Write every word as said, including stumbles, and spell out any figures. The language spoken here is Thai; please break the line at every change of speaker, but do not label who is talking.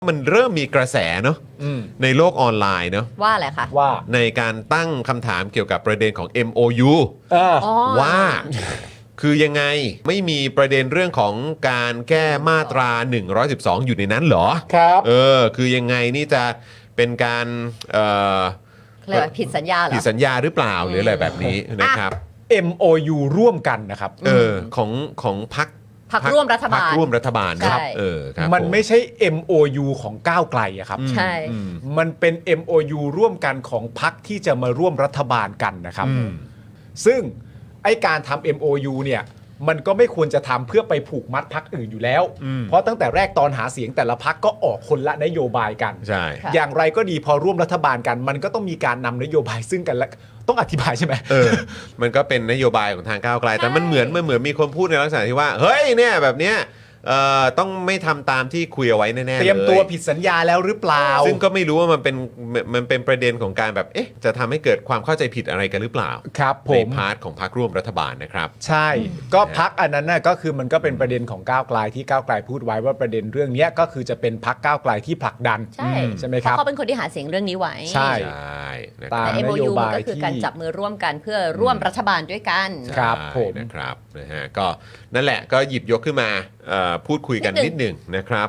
มันเริ่มมีกระแสเนาะ
อืม
ในโลกออนไลน์เนาะ
ว่าอะไรคะ
ว่า
ในการตั้งคำถามเกี่ยวกับประเด็นของ เอ็ม โอ ยู
เออ
อ๋อ
ว่าคือยังไงไม่มีประเด็นเรื่องของการแก้มาตราหนึ่งร้อยสิบสองอยู่ในนั้นเหรอ
ครับ
เออคือยังไงนี่จะเป็นการเอ่อ
เรียกว่าผิดสัญญาเหรอ
ผิดสัญญาหรือเปล่าหรืออะไรแบบนี้นะครับ
เอ็ม โอ ยู ร่วมกันนะครับ
เออของของพรรค
พรรคร่วมรัฐบาล
พรรคร่วมรัฐบาลครับ
ใช่
เออครับ
มัน
ผ
ไม่ใช่ เอ็ม โอ ยู ของก้าวไกลอะครับ
ใช่
อืม
มันเป็น เอ็ม โอ ยู ร่วมกันของพรรคที่จะมาร่วมรัฐบาลกันนะครับ
อืม
ซึ่งไอการทำ เอ็ม โอ ยู เนี่ยมันก็ไม่ควรจะทำเพื่อไปผูกมัดพรรคอื่นอยู่แล้ว
อืม
เพราะตั้งแต่แรกตอนหาเสียงแต่ละพรรคก็ออกคนละนโยบายกัน
ใช่
ค่ะ
อย่างไรก็ดีพอร่วมรัฐบาลกัน มันก็ต้องมีการนำนโยบายซึ่งกันและต้องอธิบายใช่ไหม
เออ มันก็เป็นนโยบายของทางก้าวไกล แต่มันเหมือนมันเหมือนมีคนพูดในลักษณะที่ว่า เฮ้ยเนี่ยแบบเนี้ยเอ่อต้องไม่ทำตามที่คุยเอาไว้แน่ๆ
เตรียมตัว
ล
ผิดสัญญาแล้วหรือเปล่า
ซึ่งก็ไม่รู้ว่ามันเป็นมันเป็นประเด็นของการแบบเอ๊ะจะทำให้เกิดความเข้าใจผิดอะไรกันหรือเปล่า
ครับผ
ใน
ม
พาร์ทของพรรคร่วมรัฐบาลนะครับ
ใช่ ก็พักอันนั้นน่ะก็คือมันก็เป็นประเด็นของก้าวไกลที่ก้าวไกลพูดไว้ว่าประเด็นเรื่องเนี้ยก็คือจะเป็นพักก้าวไกลที่ผลักดัน
ใช่
ใช่ไหม
เพ
ครับ
ราะเขาเป็นคนที่หาเสียงเรื่องนี้ไว้
ใช่
ใช่นะค
ตา
รับ
แต่
น
เอ็ม
โย
โอ
บาย
ก็คือ
ที่
การจับมือร่วมกันเพื่อร่วมรัฐบาลด้วยกัน
ครับ
ใช่
ผม
นะครับนะฮะก็นั่นแหละก็หยิบยกขึ้นมาเอ่อพูดคุยกัน
นิ
นิด
ด
ห
หนึ่
นึ่ง
ง
นะครับ